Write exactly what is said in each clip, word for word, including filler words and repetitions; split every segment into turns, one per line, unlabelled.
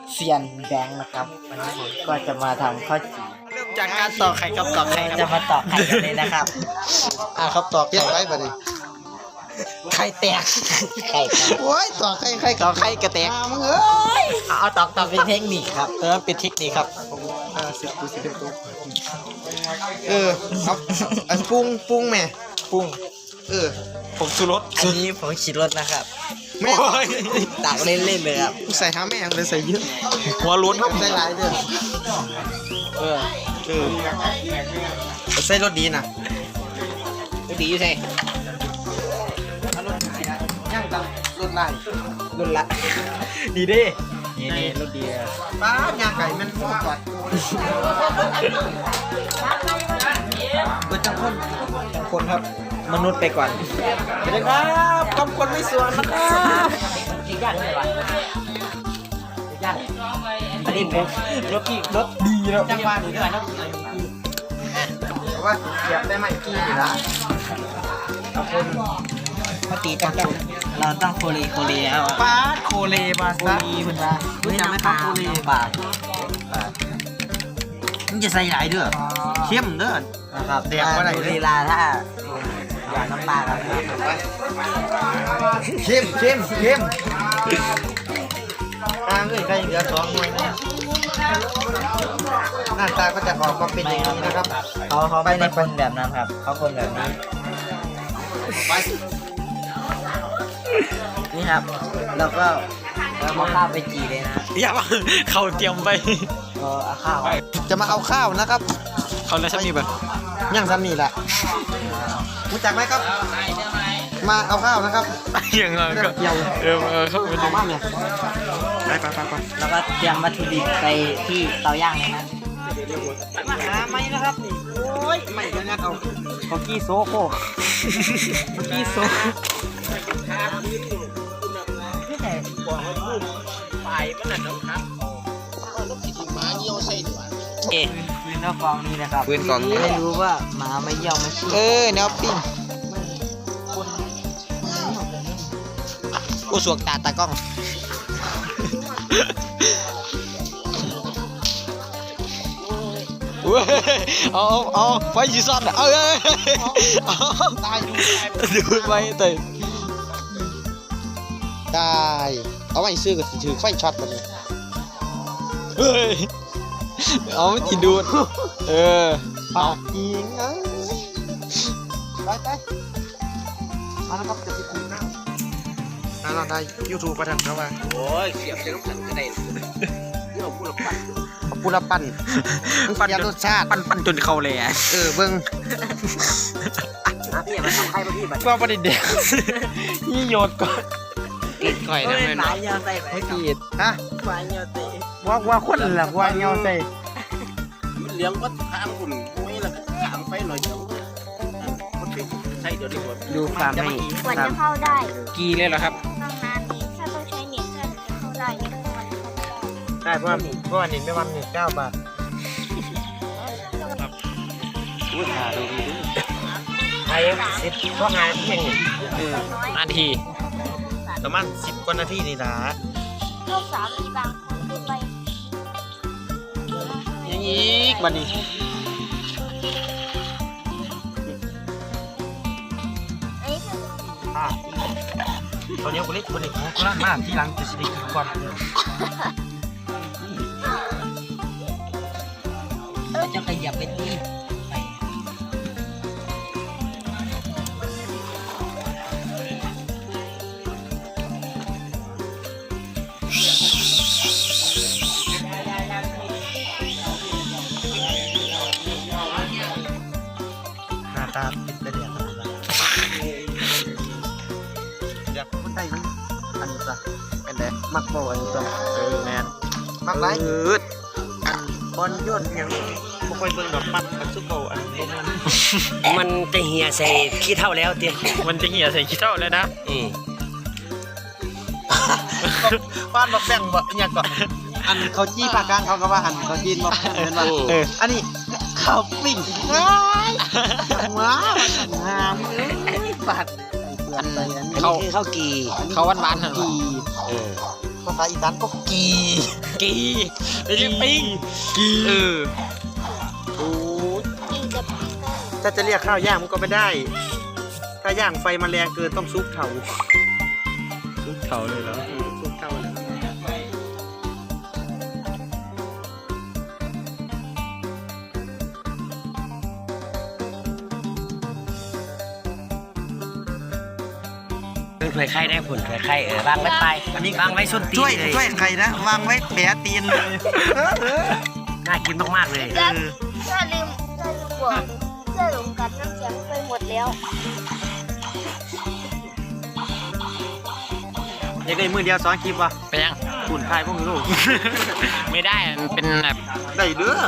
เซียนแบงค์นะครับวันนี้ผมก็จะมาทำข้าวจี่
เริ่มจากการตอกไข่กับตอกไข่
จะมาตอกไข่กันเลยนะครับ
อ่าครับตอก
เก็บไว้บ่ดิ
ไข่แตก
ไข่ครับ
โอ้ยต่อใครใคร
ตอกไข่กระแตก
มึงเอ้ย
เอาตอกตอกเป็นเทคนิคครับ
เออเป็นเทคนิคครับ
อ่าสิบกูสิบเอ็ดตัวเออครับอันปรุงปรุงแม่
ปรุง
เออ
ผมชูรส
อันนี้ผมชิดรสนะครับ
แม่
โอ้ย
ตักเล่นๆเลยครับ
กูใส่หาแม่งเลยใส่เยอะ
หัวล้นครับ
ใส่หลายเด้อ
เออ
เออใส่รสดีนะ
ก็ดีอยู่ใช่
รสไหนนะย่างตังรสลาย
รุ่นละ
ดีเด้
นี่นี่รสดีครับ
ป้าย่างไก่มันหมดก่อนเออจังคน
จังคนครับมนุษย์ไปก่อน
ไปเลยครับคำคนไม่สวนนะครับ
ยากเลยวะยากอันนี้ผมรสรสดีแล้ว
จังหวะนี้ด้วยนะเพราะว่าเสียบได้ไหมกี้อยู่ละเอาคน
เมื่อกี้จังคนเราต้องโคลีโคลีแล้ว
ปาดโคเลมา
โค
ซะ
ลีคุณว่า
รู้จักไหมครับโคลี
ปาก
มึงจะใส่หลายเด้อเข้มเด้อ
นะครับ
แดกบ่ได้เลย
โคลีลาถ้าอยากน้ำปลาครับ
เข้มเข้มเข้มทางเลยใครเหลือสองหน่วยนะหน้าตาก็จะออกมาเป็นอย่างนี้นะครับ
เขาเขาไม่ได้คนแบบนั้นครับเขาคนแบบนี้
ไป
นี่ครับเราก็เราเอาข้าวไปจีเลยนะ
อย่ามาเขาเตรียมไป
ก็เอาข้าว
จะมาเอาข้าวนะครับ
เขาแล้วฉันมีแบบ
ย่างซ้ำนี่แหละรู้จักไหมครับ มาเอาข้าวนะครับ
อย่างไรก็เออเออเข้าไป
เอามาเนี่ยไปไปไปไป
แล้วก็เตรียมวัตถุดิบไปที่เตาย่างเลยนะ
มาหาไหมนะครับนี่โอ้ยไม่จะงัดเอา
โคกี้โซโค
เมื่อกี้โซ่
ไม่ใช่
เอ๊ะ
ปืนนอกกองนี้นะครับ
ปืนกองนี้
ไม่รู้ว่าหมาไม่เยี่ยวไม่ขี้
เออแนวปิ้งกูสวกตาตากล้อง
เว้ยเอาเอาเอาไฟจีซันอ่ะเอ้ยเอา
ตาย
ดูไปแต่
ได้เอาไว้ซื้อก็สิถือไฟช็อตแบบนี้
เฮ้ยเอาไม่ติดดูดเออเอา
ยิงเอ้ยไปไปมาแล้วครับจะไปคุยนะอ่าเราได้ยูทูบประทันเขาว่า
โอ้ยเสียบเสียบกันก็ได้เราพูดละปั้น
เอาปูละปั่นมันเสียรสชาติ
ปั้นปั้นจนเข้าเลยอ่ะ
เออเบิ้ง
พี่อย่ามาทำใครมาพี่แบบ
ว่าประเด็นเด็กนี่โยนก่อนกินก่อยนะ
เฮ้ย
เพื่อน
หมาเยี่ยวใส่ไป
ไม่ผิด
ฮะ
หมาเยี่ยวใส่
ว่าว่าคนหลักว่าเงาใส่
เลี้ยงก็ทางคุณไม่ละทางไปหน่อยเดียวมันเป็นใช่เดี๋ยวนี้หมด
ดูความให้
กว่าจะเข้าได้
กีเลยเหรอครับ
ต้องนานนี้ถ้าต้องใช้เน็ตถ้าจะเข้าได้เนี่ยมันเข้าไม่ได้
ใช่เพราะว่าเพราะว่านี่ไม่วันหนึ่งเก้าบาท
อุ้ยหาดูดีดู
ไอ้สิบก็งานเพียง
เออนาที
ประมาณสิบกว่านาทีนี่ละ
ลูกสาวมีบางคนขึ้นไป
ยังอีกบันนี้
อันนี้คือ
อ่าตอนนี้กูเล็กกูเล็กกูร่างมากที่หลังจะสิได้กินก่อน
เราจะขยับไปที่ไป
หน้าตาปิดไปเดียวอยากคนไทยมันอันนี้จ้ะเป็นไงมักบ่อันนี้จ้ะเออแมนมักไร
อืด
อันบอลยนยังบ่ค่อยเบิ่งดอกมักอันซุปเปอร์อันนี้
มันจะเหี่ยใส่ขี้เท่าแล้วเตี้ย
มันจะเหี่ยใส่ขี้เท่าแล้วนะ
อืม
บ้านบักแบ่งบ่เนี่ยก่อนอันเขาจี้ปากกลางเขาก็ว่าอันเขาจีนบ่เป็นว่า
เออ
อันนี้ข้าวปิ้งว้ายว้าวงามเอ้ยบาดเปลือกไปอันนี้
อันนี้คือข้าวกี
เขาหวานๆเหรอ
กี
เออ
ภาษาอีสานก็กี
กีไม่ใช่ปิ้งกีเออ
โอ้
กินกับปิ้งได้
ถ้าจะเรียกข้าวย่างมันก็ไม่ได้ ถ้าย่างไฟมันแรงเกินต้องซุกเถา
ซุปเขาเลยเหรอ
ซุกเถาเลย
ถวยไข่ได้ผลถวยไข่เออวางไว้ไปอันนี้วางไว้ส้นตีน
ช่วย
เลย
ช่วยใครนะวางไว้แผลตีนเลย
น่ากินมากๆเลย
ถ้าถ้าลืมถ้าลืมบอกเสื้อหลงกัดน้ำแข็งไปหมดแล้ว
ยังได้มือเดียวสองคลิปวะ
ไปยัง
คุณทายพวกลูก
ไม่ได้มันเป็นแบบ
ได้เด้อ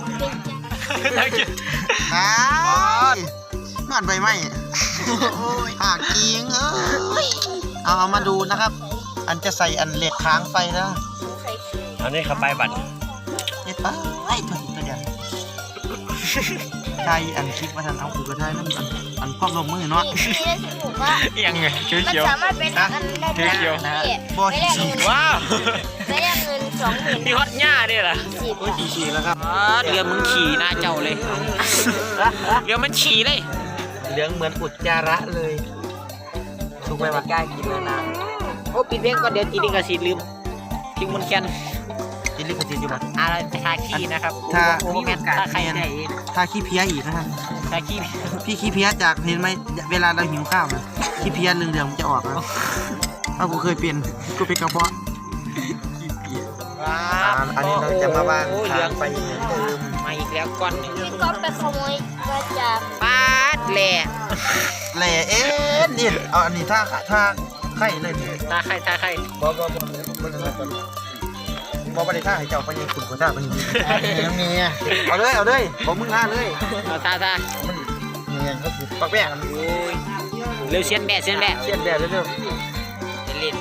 อ่าเมื่อนใบไม้หากกิงเอ้ยเอาเอามาดูนะครับ อันจะใส่อันเหล็กค้างไฟนะ
ใส่ขี้
อันนี้เข้าไปบัตร
เด็ดไปไอ้ตัวตัวเดียวใช่อันคลิปมาทันเอาคือกระทายนั่นอันอันพร้อมลงมือเนาะ
นี่นี่ได้ถูกว่า
ยังไงเขียว
มัน
เขียว
สามารถเป็นอันได้
เขียว
นะ
บอ
ไม่ได้
ฉี
เงิน
ว้าว
ไม่ได้เงินสองหมื่น
มีฮอตหญ้าด้วยเหรอ
สิบ
โอ้ยฉี่ฉี่แล้วครับ
อ๋อเรือมึงขี่หน้าเจ้าเลยเรือมันขี่เลย
เหลืองเหมือนอุจจาระเลยถูกไหมวะ
กล้ากินนาน
โอ้ปิดเพลงก่อนเดี๋ยวตีดิงกระสีลืมทิ้งมันแคน
กินลิขสิทธิ์อยู่ปะ
อะไรทาขี้นะครับ
ถ้า
โอ้แมนถ้าใครได้
ถ้าขี้เพี้ยอีกนะครับ
ทาขี้
พี่ขี้เพี้ยจากเห็นไหมเวลาเราหิวข้าวนะขี้เพี้ยเรื่องๆมันจะออกแล้วถ้ากูเคยเป็นกูเป็นกระเพาะ
ว้า
อันนี้เราจะมาวาง
โอ้เหลือง
ทางไปเหมือนเดิม
มาอีกแล้วก้อนหนึ่ง
พี่ก๊อฟไปขโมยมาจาก
ปาดแหล่
แหล่เอ๊ะนี่เอาอันนี้ถ้าถ้าไข่เลย
ตาใครตาใคร
บอบอบมันอะไรกันบอบอะไรท่าให้เจ้าไปยังขุนกว่าท่าไปยังยังเมียเอาเลยเอาเลยบอกมึงท่าเลย
เอาตาตา
มันเมียก็คือปักแป้ง
โอ้ยเร็วเชียนแบะเชียนแบะ
เชียนแดดเรื่อย
เล่น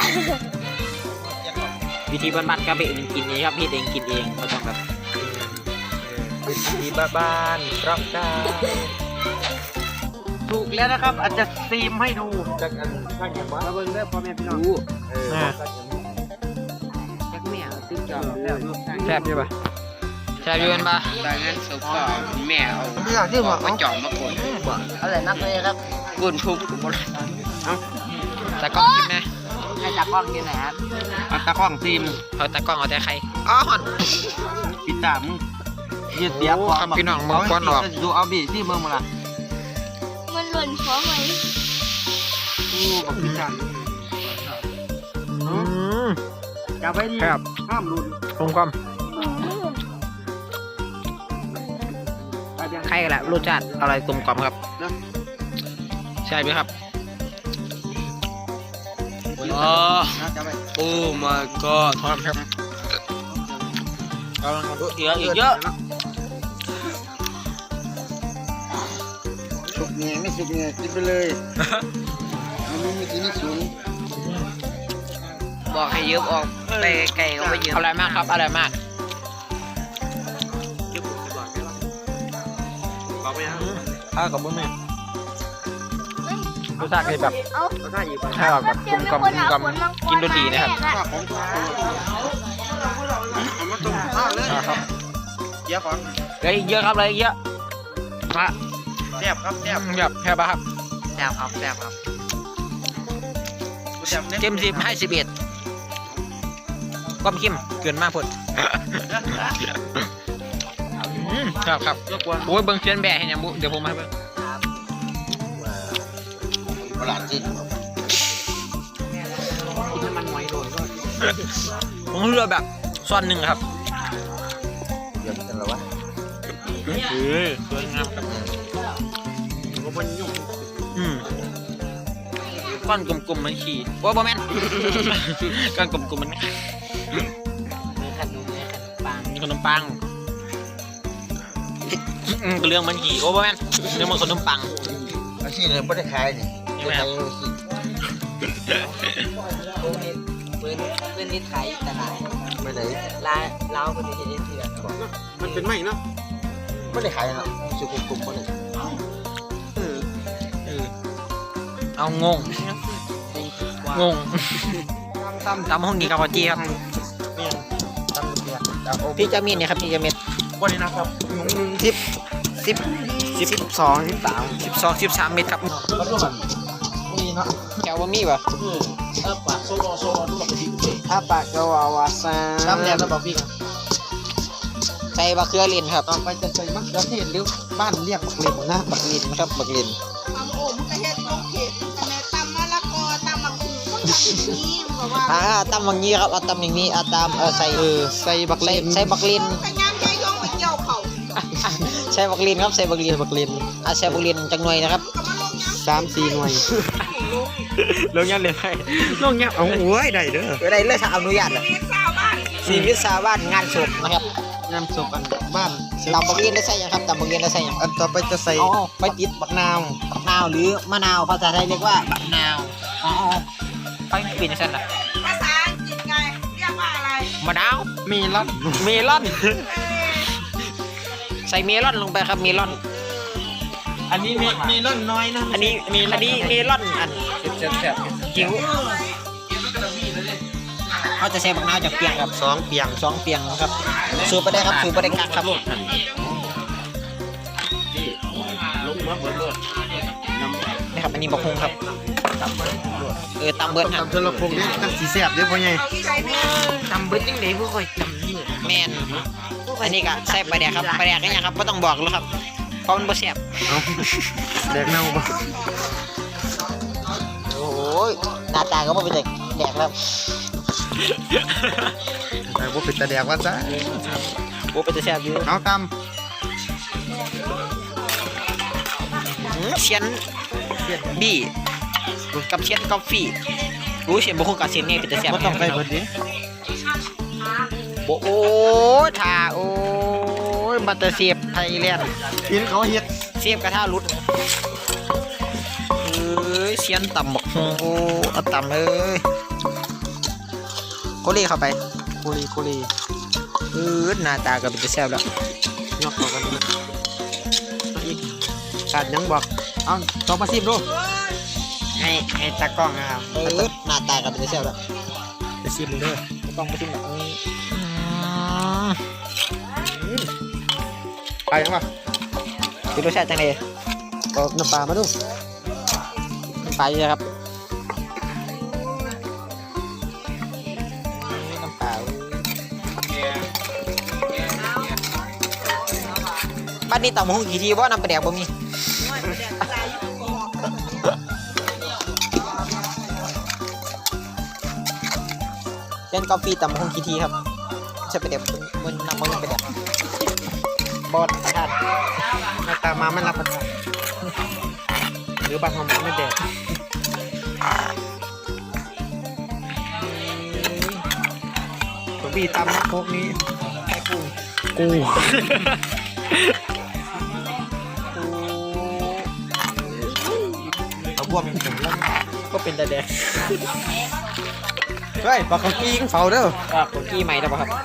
วิธีบ้านๆครับเองกินเองครับพี่เองกินเองไม่ต้องแบบ
ๆดีบ้าบ้านรับได้ถูกแล้วนะครับอาจจะซีมให้ดูจากอันข้างอย่างว่าเบิ่งเด้อพ่อแม่พี่น้องเออ
จักแม่ติ๊กจอมแล้ว
แซ่บอยู่ปะแซ่บอยู่กันปะ
ตอนนั้นสุกก็แม่เอา
ไม่อยากที่ว่า
มาจอมมากดอะไรนักเลยครับกุนทุบกุน
ตากล้องกินไหม
ให้จับกล้องกินหน่อยครับ
อัตราข้องซีม
เอาตากล้องเอาแต่ใครอ๋อ
ปิดตามยืดเสียบ
โอ้ครับพี่น้องบอกก่อนออก
ดูเอาบีที่เมืองมาละ
มันหล่นเพราะไหม
อู้กับปิดตาม
อืม
จับไว้ดี
ครับ
ห้ามรุน
กลมกลม
ไปยัง
ใครกันแหละรสชาติอะไรกลมกล่อมครับใช่ไหมครับอ๋อ
จับไป
โอ้ my god ทอดครับกำลังเยอะอีกเยอะ
สุกเงี้ยไม่สุกเงี้ยกินไปเลยมันไม่มีกินไม่สูง
บอกให้ยืมออกไปไกลก็ไปยืม
อร่อยมากครับอร่อยมาก
บอกไปยัง
ข้าวกับบุ้งแม่รสชาติคือแบบ
เอา
ก็ได้อยู่ไป
ข้าวแบบกลมกล่อมกลมกล่อมกินรสดีนะครับ
ข้าวของข้าวเอามาต้มข้าวเลย
ครับ
เยอะของ
เลยเยอะครับเลยเยอะมา
แซ่บครับแซ่บ
แบบแค่ปะครับ
แซ่บครับแซ่บครับ
แซ่บเนี่ย
เต็มสิบให้สิบเอ็ดความเข้มเกินมากพอดอืมครับครับ
ยกวน
โอ้ยเบิ้งเชียนแบะให้ยังบุเดี๋ยวผมมาให้เบิ้ง
ตลาดจีน
กินน้ำมันหอยโดนก็ผมเลือกแบบซ้อนหนึ่งครับ
เดี๋ยวกันแล้ววะ
เออสวยงามครับ
ก็มันยุ่ง
อืมก้อนกลมๆเหมันขี่โอ้บอแมน ก้อนกลมๆมัน
มีขนมมีขนมปัง
มีขนมปังอืมก็เรื่องมันขี่โอ้บอแมนเรื่องมันขนมปัง
อาชีพเลยไม่ได้ขายนี่
ใช่ไหมครับ
ปืนปืนปืนนิดไทยแต่ไหน
ไม่ได้
ลาเล้าคนนี้จะได้เถื่อนบอก
มันเป็นไม่เนาะไม่ได้ขายนะสุขุมกลุ่มไม่ได้
เออเอางงงง
ตำ
ตำห้องนี้กับข้าวจีครับ
เมียนตำเบียร์ตำโอ้
พี่จะมีเนี่ยครับพี่จะมี
วันนี้นะครับหนุ่ม
สิบสิบสิบ
สิบสองสิบสาม
สิบสองสิบสามเมตรครับ
แล้วก็แบบนี่เนาะ
แถวว่ามีป่ะ
เออปากโซโลโซโลดูหลักที่กูเอง
ถ้าปากก็วาวาซาตำแล้วบอกพี่กัน
ใส่บะเขือลินครับ
ต่อไปจะใส่มะเขือเทศหรือบ้านเรียกบักเล่นนะบัก
ลินครับบักลิน
ตำโอ่งกระเฮ็ดลูกเห็ดแต่แม่ตำมะละกอตำมะกรูดต้องทำอย่างนี้บอกว่า
อ่าตำอย่างนี้ครับเอาตำอย่างนี้เอาตำเออใส่
เออใส่บัก
ใส่
เล่น
ใส่บักลิน
ขยันใจยงไปเกี่ยวเขา
ใส่บักลินครับใส่บักลิน
บักเล่น
อ่ะใส่บักลินจังหน่วยนะครับ
ก็มาลงน้ำ
สามสี่หน่วย
ลงยันเลยไปลงยัน
เอาโอ้ยได้เด้อ
ได้เลยถ้าอนุญาตเลย
เฮ็ดสาวบ้าน
ชีวิตชาวบ้านงานศพนะครับ
น้ำซุปอันบ้าน
ตำบักลินได้ใส่ยังครับตำบักลินได้ใส่ยัง
อันต่อไปจะใส่
อ๋อไป
ติดบักนาว
มะนาวหรือมะนาวภาษาไทยเรียกว่าบักนาวอ๋อไปปิดเส้นละ
ภาษาอังกฤษไงเรียกว่าอะไร
มะนาว
มีลัด
เมลอน ใส่เมลอนลงไปครับเมลอน
อันนี้มีมีล่นน้อยนะ
อันนี้อันนี้เมลอนอัน
เจ็บเจ็บ
จิ๋วเขาจะใส่บักนาวจากเปียงครับ
สองเปียง
สองเปียงครับสูบไปได้ครับสูบไปได้กักครับ
ลงมาเบิดเลยน้ำ
นี่ครับอันนี้บักฮุงครับเออตำเบิร์ดครับ
ตำเทเลพงนี่ตั้งสีแสบเด้อพ่อใหญ่
เอาที่ใส่แม่
ตำเบิร์ดยังไงผู้ค่อยตำนี่แมนอันนี้ก็ใส่ปลาแดกครับปลาแดกก็ยังครับไม่ต้องบอกแล้วครับเพราะมันบ่แซ่บ
เอาแดกเน่าบ่
โอ้ยหน้าตาก็บ่เป็นเด็กแดกแล้ว
แต่บ่เป็นตาแดกว่าซะ
โอ้เป็นจะแซ่บอยู่
เอาต
อืมเชียนบี้กับเชียนกาแฟรู้เชียนบ่คงกับเชียนนี่เป็นจะแซ่บ
ำบ่ต้องไปเบิดดิ
โอ้โอ้ท่าโอ้ยมาแต่เสียบไทยแลนด์
กินเขาเฮ็ด
เสียบกระทะรุดเอ้ยเชียนต่ำบักฮงโอ้เอาต่ำเอ้ยโคลี่เข้าไป
โคลีโคลี
เออหน้าตาก็เป็นจะแซ่บแล้ว
ยกต่อกันนะเอาอีกขาดหยังบอกเอาต่อมาซิมดูให้ให้ตากล้องนะครับ
เออหน้าตาก็เป็นจะแซ่บแล้ว
ไปซิมเด้อ
ต้องไปชิมแบบนี้
ไปยังวะ
คือรสชาติจังเลย
เอาน้ำปลามาดู
ไปเลยครับน้ำเปล่าบ้านนี้ต่ำหงกี่ทีว่าน้ำปลาแดกบ่มีเล่นกาแฟต่ำหงกี่ทีครับใช่ปลาแดกมันน้ำมันปลาแดกบอดประทาน
หน้าตามาไม่รับประทานหรือบางคำไม่แดกตัวบีตำพวกนี้แค่กูกูเอาบวมเป็นผมแล้ว
ก็เป็นตาแดง
เฮ้ยปลาเขากิ้งเฝ้าเด้อ
ก็คุกกี้ใหม่แล้วป่ะครับ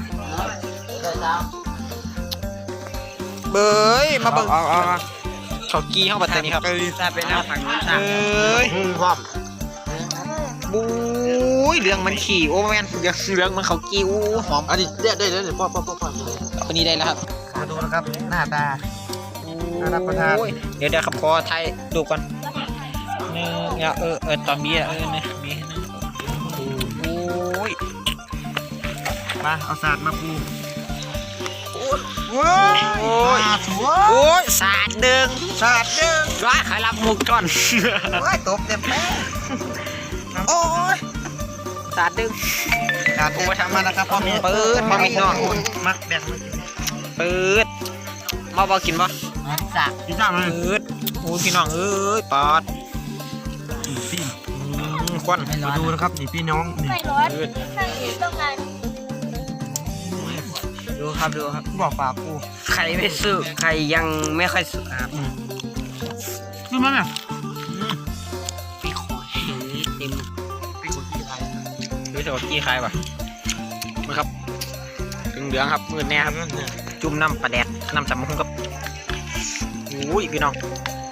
เบยมาเบิ่ง
เอาเอาเอา
เขากี้เข้าปัตตานีครับ
ซาเป็นน้ำผังน้ำซา
เอ้ย
มือความ
บุ้ยเรื่องมันขี่โอ้แมนเรื่องเรื่องมันเขากี้อู้หอม
อันนี้ได้ได้ได้พ่อพ่อพ่อพ่อ
อันนี้ได้แล้วครับ
มาดูนะครับหน้าตา น่ารับประทาน
โอ้ยเดี๋ยวเดี๋ยวขับคอไทยดูก่อนหนึ่งเนี่ยเออเออตอนนี้อะเออเนี่ยมีนะโอ้ย
มาเอาสาดมาปู
โอ้ย
สาดสวย
โอ้ยสาดดึง
สาดเด้ง
ร้ายขายรับมุกก่อน
โอ้ยตบเต็มแป้ง
โอ้ยสาดดึง
สาดเต็มมาทำมานะครับพ่อแม่
เปิดมาไม่นอก
มักแบ่งมา
เปิดมาบอกกินบ่
สาดพี่จ้ามา
เปิดโอ้ยพี่น้องเอ้ยปอด
พี่
อืมควัน
มาดูนะครับนี่พี่น้องนี่
ไม่ร้อนนั่งอยู่ต้องการ
ดูครับดูครับบอกปากปู
ใครไม่สุกใครยังไม่ค่อยสุกครับ
คือมันอ่ะ
พี่ขอเต็ม
พี่คนที่ไทย
ดูเถอะกี้คายป่ะมาครับถึงเหลืองครับมืดแน่ครับจุ่มน้ำปลาแดกน้ำสำมุนครับโอ้ยพี่น้อง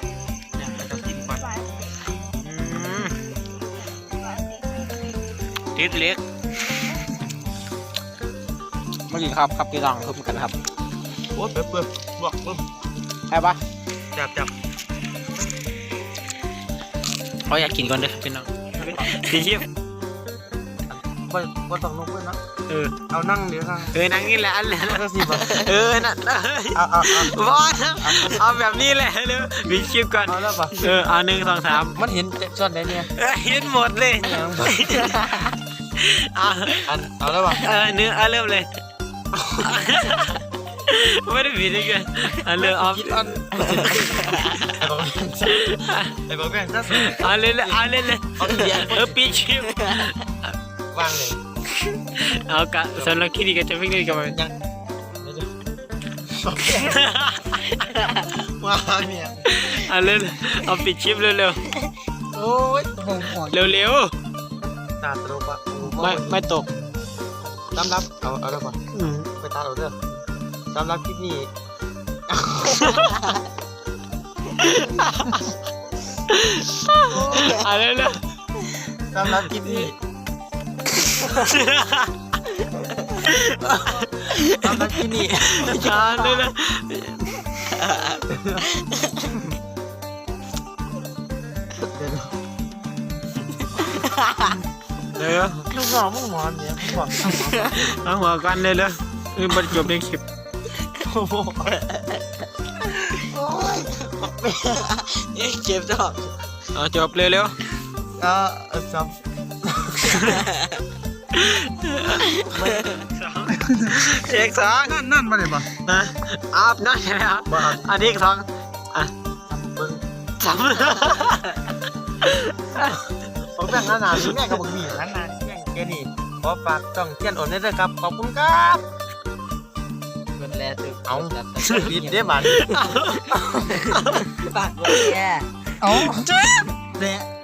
เนี่ยเราจะกินก่อน
อืมติดเล็กมากินครับครับพี่น้องทุบกันครับ
โอ้เปิดเปิดบวกปึ๊บ
ใช่ปะ
จับจับ
เขาอยากกินก่อนเด้อพี่น้องดีชิบ
ว่าว่าต้องลงเพื่อนนะ
เออ
เอานั่งเดี๋ยวนั่ง
เออนั่งนี่แหละอันแหละ
ก็สิบาท
เออนั่น
เอาเอาเอา
บอสเอาแบบนี้แหละเร็วมีคลิปก่อน
เอาแล้วปะ
เออเอาหนึ่งสองสาม
มันเห็นส่วนไหนเนี่ย
เออเห็นหมดเลยเอา
อันเอาแล้วปะ
เออเนื้อเอาเริ่มเลยไม่ได้ผิดเลยกันเอาเริ่มเอา
คิดอันไอ้บอกไอ้บอกแม่งถ้า
เอาเล่นเลยเอาเล่นเลย
เอาทีเดียว
เออปีชิป
วางเลย
เอากะสำหรับคลิปนี้ก็จะเพิ่งได้กันมา
ยังว้าเนี่ย
เอาเล่นเอาปิดชิปเร็ว
โอ้ยผมหอด
ๆเร็ว
ตาตลกอ่ะ
ๆไม่ไม่ตก
สำหรับเอาเอาแล้วปะไปตาเราเด้อสำหรับคลิปนี้
เอาเร็ว
สำหรับคลิปนี้สำหรับคลิปนี้
ๆเอาเร็วๆเร็ว
ลูกน้องมึงหมอนเนี่ยมึงบอก
เอาหัวกันเร็วๆเออบรรจบในคลิป
โอ้โหโอ้ยนี่เจ็บจัง
เอาจบเร็ว
ก็เออจ
ๆเอกสอง
ำนั่นนั่นมาเลยปะ
นะอาบน้ำใช่ไหมครับ
บ้า
อันนี้อีกสองอ่ะ
มึง
สาม
ผมแบ่งขนาดนี้แม่กับมึงมีขนาดแม่งแค่นี้ขอฝากช่องเทียนโอนได้ด้วยครับขอบคุณครับ
กดแล้วตึก
เอาปิดได้บัตร
ปากเลยแก
เอาเจ๊เนี่ย